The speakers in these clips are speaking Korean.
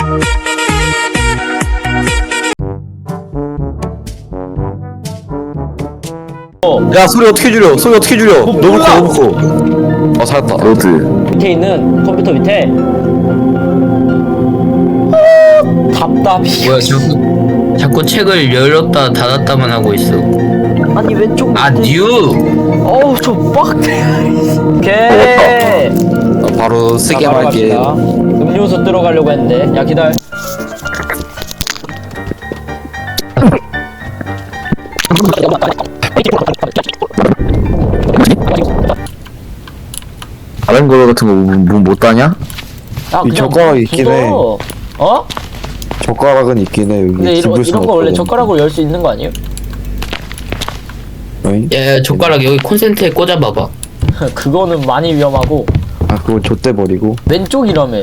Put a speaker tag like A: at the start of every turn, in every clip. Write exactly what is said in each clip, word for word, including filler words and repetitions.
A: 야 소리 어떻게 줄여? 소리 어떻게 줄여?
B: 뭐,
A: 너무
B: 몰라.
A: 커 너무 커. 어 살았다.
C: 로드.
B: 밑에 있는 컴퓨터 밑에 답답이.
D: 뭐야 자꾸 자꾸 책을 열었다 닫았다만 하고 있어.
B: 아니 왼쪽
D: 아
B: 밑에.
D: 뉴.
B: 어우 저 빡대. 오케이.
A: 어, 바로 쓰게
B: 자, 바로
A: 할게.
B: 갑시다. 음료수 들어가려고 했는데 야 기다려.
C: 다른 거 같은 거 못 따냐?
B: 야,
A: 이
B: 그냥
A: 젓가락이 있긴 해.
B: 묻어. 어?
A: 젓가락은 있긴 해 여기.
B: 근데 이런
A: 집을
B: 이런
A: 순
B: 거 원래
A: 없거든.
B: 젓가락으로 열 수 있는 거 아니에요?
A: 어이?
D: 야 젓가락 여기 콘센트에 꽂아봐봐.
B: 그거는 많이 위험하고.
A: 아 그거 좆대 버리고.
B: 왼쪽이라며.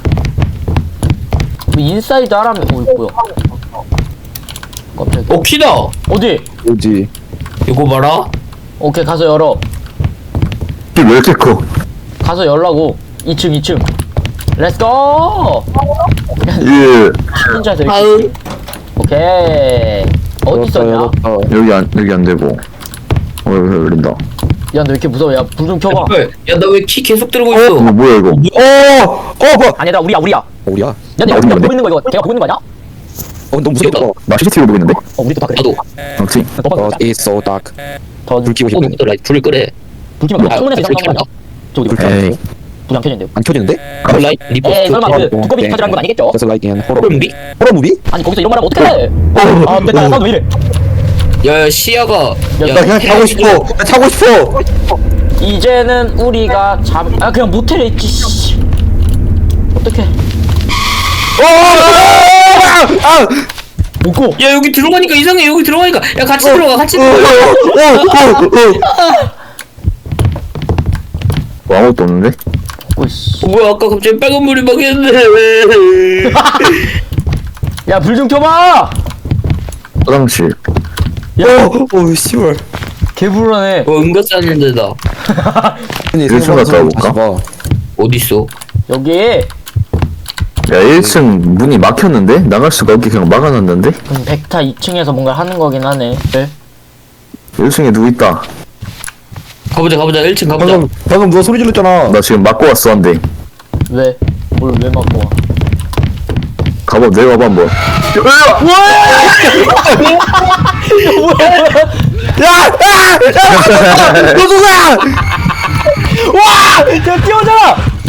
B: 뭐 인사이드 하라며. 어 이거 뭐야? 깜짝이야.
D: 어 키다.
B: 어디?
A: 뭐지?
D: 이거 봐라.
B: 오케이 가서 열어.
C: 왜 이렇게 커?
B: 가서 열라고. 이 층 이 층. 렛츠고.
C: 예.
B: 혼자 될.
D: 다음.
B: 오케이. 어디 있었냐?
A: 열었다, 열었다.
C: 여기 안 여기 안 되고. 어 여기 열린다.
B: 야 너 왜 이렇게 무서워? 야 불 좀 켜봐.
D: 야나 왜 키 계속 들고 있어?
C: 어 뭐야 이거?
A: 어! 어! 뭐?
B: 아니다 우리야 우리야.
A: 어, 우리야?
B: 야 내가
C: 어디
B: 우리가
C: 있는데?
B: 보고 있는 거 이거 내가 보고 있는 거 아니야?
A: 어 너무 무섭다.
D: 이거.
C: 나 씨씨티비 보고 있는데?
B: 어 우리도 다 그래.
D: 나도.
C: 그렇지.
A: 어, it's so dark.
B: 더
A: 불 켜고
D: 어
A: 싶네.
D: 누구더라? 불을 끄래.
B: 불 켜면
D: 아,
B: 창문에서
D: 불
B: 이상한 거 아니야? 저 어디 불 켜?
C: 에이.
B: 불안 켜진대요.
A: 안 켜지는데?
D: 라이 리버.
B: 에이 설마 그
A: 어,
B: 두꺼비
A: 네.
B: 타지라는 건 아니겠죠?
A: Just like in horror.
D: 호러 무비?
A: 호러 무비?
B: 아니 거기서 이런 말 하면 어떡해? 아 됐다 사운드 왜 이래?
D: 야 시야가.
B: 야,
A: 나 그냥 타고 싶어. 나 타고 싶어.
B: 이제는 우리가 잡... 아 그냥 모텔에 있지 씨. 어떡해.
A: 어! 아!
B: 먹고
D: 야 여기 들어가니까 이상해. 여기 들어가니까. 야 같이 들어가. 같이
A: 어! 어!
D: 들어가.
A: 어! 어!
C: 뭐 아무것도 없는데?
B: 먹고 씨.
D: 어, 뭐야 아까 갑자기 빨간 물이 막 했는데 왜?
B: 야불 좀 켜봐!
C: 화장실.
A: 어! 어! 씨발.
B: 개불안해.
D: 어 은가 싸는 데다.
A: 아니,
C: 일 층
A: 생각보다
C: 갔다 올까?
A: 다시 봐.
D: 어디 있어?
B: 여기
C: 야 일 층 문이 막혔는데? 나갈 수가 없게 그냥 막아놨는데?
B: 음, 백타 이 층에서 뭔가 하는 거긴 하네. 네?
C: 일 층에 누구 있다.
D: 가보자 가보자. 일 층 가보자.
A: 방금 방금 누가 소리 질렀잖아.
C: 나 지금 막고 왔어 한대.
B: 왜? 뭘 왜 맞고 와?
C: 가봐 내려와봐 한번.
A: 야! 야! 너 누구야?
B: 와! 야 뛰어오잖아!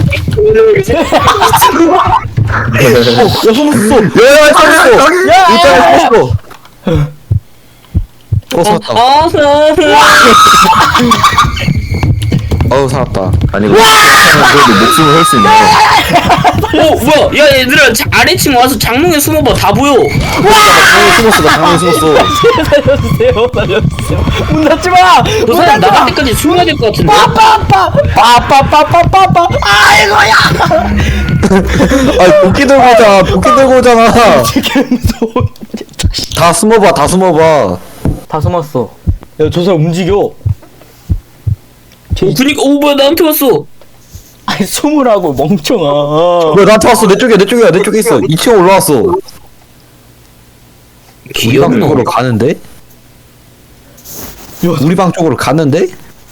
A: 야 소문 쏘.
C: 야야
A: 쏘.
B: 야!
A: 일단 쏘. 어 살았다.
D: 아
A: 어우 살았다.
C: 아니 그래도 목숨을 걸 수 있네.
D: 어 뭐야? 야 얘들아 자, 아래층 와서 장롱에 숨어봐. 다 보여.
A: 장애 숨었어. 나 장애 숨었어.
B: 살려주세요 살려주세요 문 닫지 마!
D: 그
B: 문
D: 사람
B: 닫지 마!
D: 나갈 때까지 숨어야 될 것 같은데.
B: 빠빠빠! 빠빠빠빠빠빠! 아이고야!
A: 아 도끼 들고 오잖아. 도끼 들고 오잖아.
B: 되게 무서워.
A: 다 숨어봐. 다 숨어봐.
B: 다 숨었어. 야 저 사람 움직여.
D: 어 그니까 오 뭐야 나한테 왔어.
B: 아니 숨으라고 멍청아.
A: 왜 나한테 왔어? 내 쪽이야. 내 쪽이야. 내 쪽에 있어. 이 층 올라왔어. 우리 방 쪽으로 가는데? 우리 방 쪽으로 갔는데?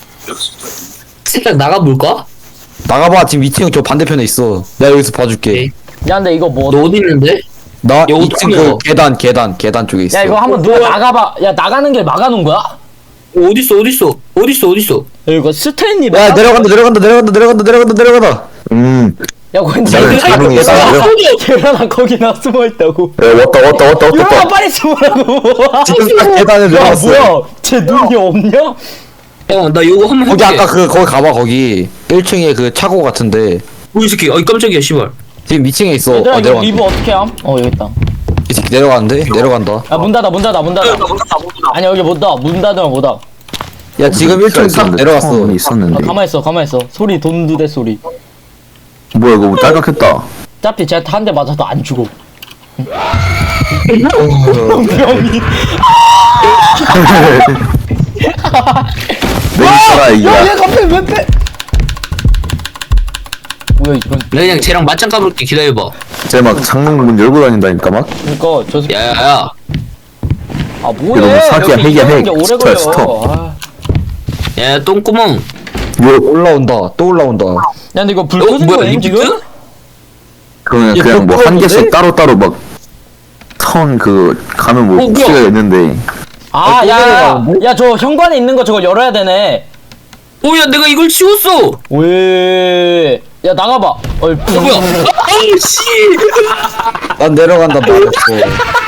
D: 살짝 나가볼까?
A: 나가봐. 지금 이 층 저 반대편에 있어. 내가 여기서 봐줄게.
D: 오케이.
B: 야 근데 이거 뭐?
D: 너 어디 있는데?
A: 나
D: 야,
A: 이 층 그
D: 어떡해요?
A: 계단 계단 계단 쪽에 있어.
B: 야 이거 한번 누가 나가봐. 야 나가는 길 막아놓은 거야?
D: 어, 어디 있어 어디 있어 어디 있어 어디 있어?
B: 야 이거 스탠리
A: 야 내려간다 내려간다 내려간다 내려간다 내려간다 내려간다.
C: 음.
B: 야 근데
C: 나는 장롱에 있어.
B: 계란아 거기 나 숨어있다고.
C: 야 왔다 왔다 왔다 왔다.
B: 유라
C: 왔다.
B: 빨리 숨으라고.
A: 지금 딱 계단에
B: 야
A: 내려갔어.
B: 뭐야? 쟤 눈이 없냐?
D: 어나 이거 한번
A: 거기
D: 해볼게.
A: 아까 그 거기 가봐 거기 일 층에 그 차고 같은데
D: 뭐이 새끼 어이 깜짝이야 씨발.
A: 지금 이 층에 있어.
B: 얘들아
A: 어
B: 이거
A: 내려간다.
B: 리브 어떻게 함? 어 여기 있다.
A: 이 새끼 내려가는데 내려간다.
B: 야 문 닫아 문 닫아 문 닫아. 아니 여기 못 닫아. 문 닫으면 못 닫아.
A: 야 지금 일 층 딱 내려갔어.
C: 처음에
B: 아,
C: 있었는데.
B: 가만 있어 가만 있어. 소리 돈두대 소리.
C: 뭐야 이거 딸깍했다.
B: 어차피 쟤한테 한 대 맞아도 안 죽어.
A: 병이.
C: 내 있어라 이거.
B: 야얘 갑자기 왜 빼? 뭐야 이런.
D: 나 그냥 쟤랑 맞짱 까볼게. 기다려봐.
C: 쟤막 창문 열고 다닌다니까 막.
B: 그니까 저 새끼
D: 야야야.
B: 아
C: 이거
B: 뭐해
C: 사기야,
B: 여기
C: 핵이야,
B: 이러는
C: 핵.
B: 게 오래
C: 스톱,
B: 걸려
C: 스톱.
B: 아.
D: 야 똥구멍.
C: 요
A: 올라온다 또 올라온다.
B: 야 근데 이거 불
D: 어,
B: 켜진
D: 뭐야,
B: 거임
D: 리프트?
B: 지금?
C: 그러면
A: 얘
C: 그냥 뭐 한
A: 뽀뽀인데?
C: 개씩 따로 따로 막 선 그 가면 뭐
D: 어, 뭐야?
C: 키가 있는데.
B: 아
A: 또
B: 야야
A: 내려가는데?
B: 야 저 현관에 있는 거 저거 열어야 되네
D: 오야 내가 이걸 치웠어.
B: 왜? 야 나가봐 어이
D: 어, 뭐야? 아씨.
A: 난 내려간다 말했어.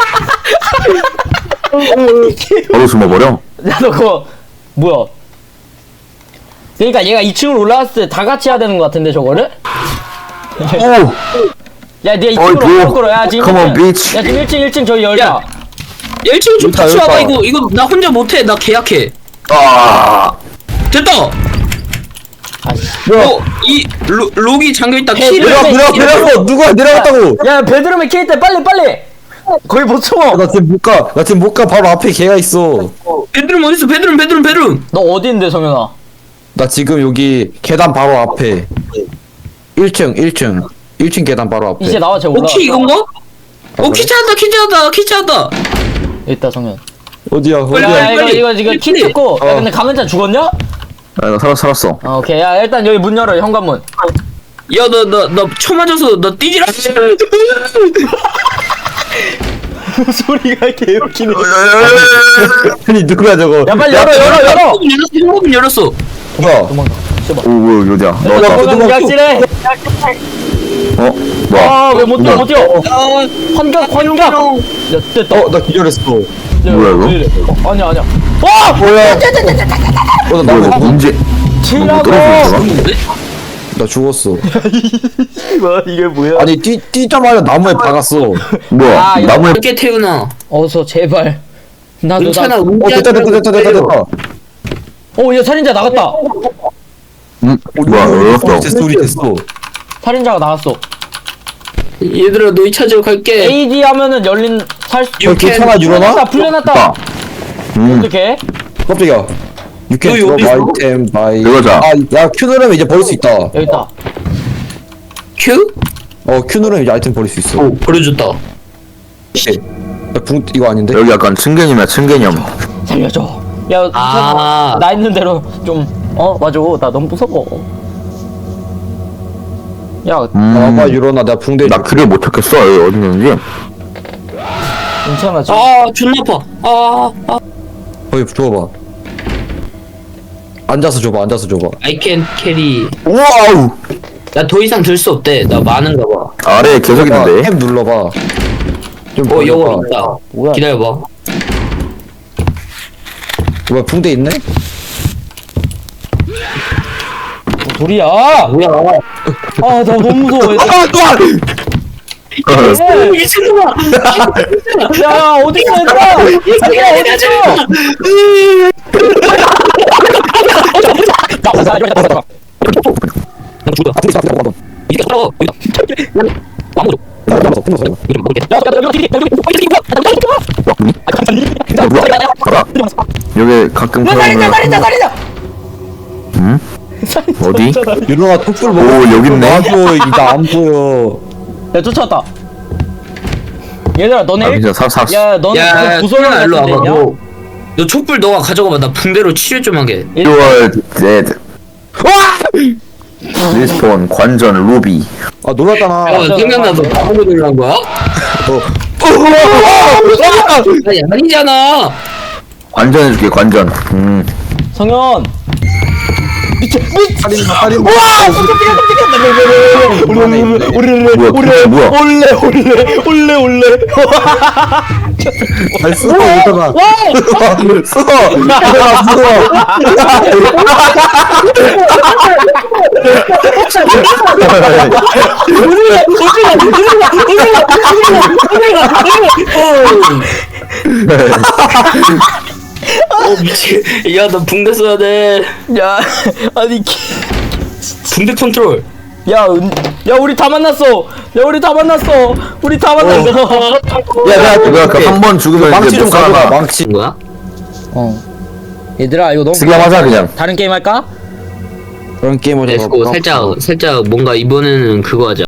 C: 바로 숨어버려.
B: 야너 그거 뭐야 그러니까 얘가 이 층으로 올라갔을 때 다 같이 해야 되는 거 같은데 저거를?
C: 오.
B: 야 니가 이
C: 어이,
B: 층으로
C: 뭐.
B: 올라올 야 지금
C: Come on,
B: 일 층.
C: bitch.
B: 야 지금 일 층 일 층 저기 열자
D: 야. 일 층 좀
A: 여기다,
D: 같이 와봐.
A: 여기다.
D: 이거 이거 나 혼자 못해. 나 계약해.
C: 아.
D: 됐다.
B: 아씨
D: 어, 이 로, 록이 잠겨있다.
B: 해,
D: 키를
B: 내려,
A: 내려 내려서 누가 내려갔다고?
B: 야 베드룸에 케이때 빨리 빨리 거기 못 숨어
A: 나 지금 못 가. 나 지금 못 가. 바로 앞에 걔가 있어.
D: 베드룸 어딨어? 베드룸 베드룸 베드룸.
B: 너 어디인데 성현아
A: 나 지금 여기 계단 바로 앞에. 일 층 일 층 일 층 계단 바로 앞에.
B: 이제 나와 쟤 올라와
D: 오키 이건가? 어 키 찾았다 키 찾았다 키 찾았다.
B: 있다 성현
A: 어디야?
B: 야
A: 어디야?
D: 빨리,
B: 이거
D: 빨리.
B: 이거 이거 키
D: 빨리.
B: 찾고 야
A: 어.
B: 근데 감염자 죽었냐?
C: 아, 나 살았 살았어.
B: 어, 오케이 야 일단 여기 문 열어 현관문
D: 야 너 너 너 쳐 맞아서 너 뛰지라.
B: 소리가 개웃기네
A: 아니 누구야 저거?
B: 야 빨리 열어 열어 열어
D: 현관문 열었어.
A: 뭐야?
B: 도망가 씨발
C: 오 뭐야 어디야? 나왔다.
A: 야,
B: 도망가 약질해
C: 어 뭐야?
B: 아왜 못 뛰어 못 뛰어
D: 아
B: 환각 환각 야 됐다
A: 어, 나 기절했어.
B: 야,
C: 뭐야, 이거?
B: 왜 이래? 어, 아니야 아니야 와
A: 뭐야? 어, 나,
C: 뭐야
A: 나,
C: 이거 문제.
B: 치라고
C: 떨어지는
D: 뭔데?
A: 나 죽었어.
B: 뭐 이게 뭐야
A: 아니 뛰 뛰자마자 나무에 박았어.
C: 뭐야?
B: 아, 이거
C: 나무에
D: 어떻게 태우나?
B: 어서 제발 나도
D: 괜찮아.
B: 나...
A: 어 됐다 됐다 됐다 됐다 됐다.
B: 어야 살인자 나갔다
C: 음, 뭐야
A: 소리
C: 열었어.
A: 됐어 소리 됐어.
B: 살인자가 나갔어
D: 얘들아 너희 찾으러 갈게.
B: 에이디 하면은 열린 살수
A: 어 괜찮아 일어나?
B: 풀려났다 풀려났다
C: 음.
B: 어떡해
A: 깜짝이야. You can
D: 너희
A: drop
D: 어디 있어?
A: item by.
C: 들어가자.
A: 아야 Q 누르면 이제 버릴 수 있다.
B: 여기 있다
D: 큐?
A: 어 Q 누르면 이제 아이템 버릴 수 있어.
D: 오 버려줬다.
A: 오케이. 야, 붕 이거 아닌데?
C: 여기 약간 층개념이야 층개념.
B: 살려줘 야
D: 아.
B: 나 있는 대로 좀 어 맞아 나 너무 무서워 야
C: 음.
A: 나봐 일어나 내가 붕대.
C: 나 길을 못 찾겠어. 여기 어디 있는지.
B: 괜찮아 지금
D: 아 존나 아파. 아, 아.
A: 거기 줘봐. 앉아서 줘봐 앉아서 줘봐.
D: I can carry.
C: 와우.
D: 나 더 이상 들 수 없대. 나 많은가 봐.
C: 아래에 계속 있는데.
A: 탭 눌러봐. 좀
D: 어 여기
A: 벌려봐.
D: 있다.
B: 뭐야?
D: 기다려봐.
A: 뭐야 붕대 있네?
B: 소리야
D: 뭐야?
B: 아나 너무 무서워 얘들아.
D: 미친놈아!
B: 야 어디 있어 얘들아 얘들아 어디 있어
D: 이게 떨어. 아무도.
C: 여기 가끔
B: 살인자 살인자
C: 그러면
B: 살인자
C: 응? 어디?
A: 일어나 톡불 먹어.
C: 오 여기 있네.
A: 놔줘 나안 보여.
B: 야 쫓아왔다 얘들아 너네
C: 아
B: 일-
C: 진짜 사 사.
B: 야 너네
D: 야,
B: 그거
D: 야,
B: 구설령
D: 소연아, 일로
B: 같은 데
D: 와봐.
B: 있냐?
D: 너, 너 촛불 너가 가져가봐. 나 붕대로 치료 좀 하게.
C: You are dead. 리스폰 관전 루비.
A: 아 놀랐잖아.
D: 어, 생각나. 너 바보로 들어간 거야?
A: 어.
D: 아니, 아니잖아.
C: 관전해줄게 관전. 음.
B: 성현
A: 살인 살인.
C: 뭐야? 뭐야? 뭐야?
B: 올레 올레 올레 올레
A: 잘 쓰고 오잖아. 써. 얘들아
D: 어, 미치. 야, 너 붕대 써야 돼.
B: 야 아니 기-
D: 붕대 컨트롤.
B: 야, 은, 야 우리 다 만났어 야 우리 다 만났어 우리 다 만났어
A: 야 내가
C: 내가 그 한 번 죽으면
A: 망치
C: 이제
A: 좀
C: 못
A: 가져가.
C: 살아.
A: 망치.
D: 뭐야?
B: 어 얘들아 이거 너무
C: 쓰기만 하자 그냥.
B: 다른 게임 할까?
A: 그런 게임을
D: 렛츠고. 살짝, 살짝 뭔가 이번에는 그거 하자.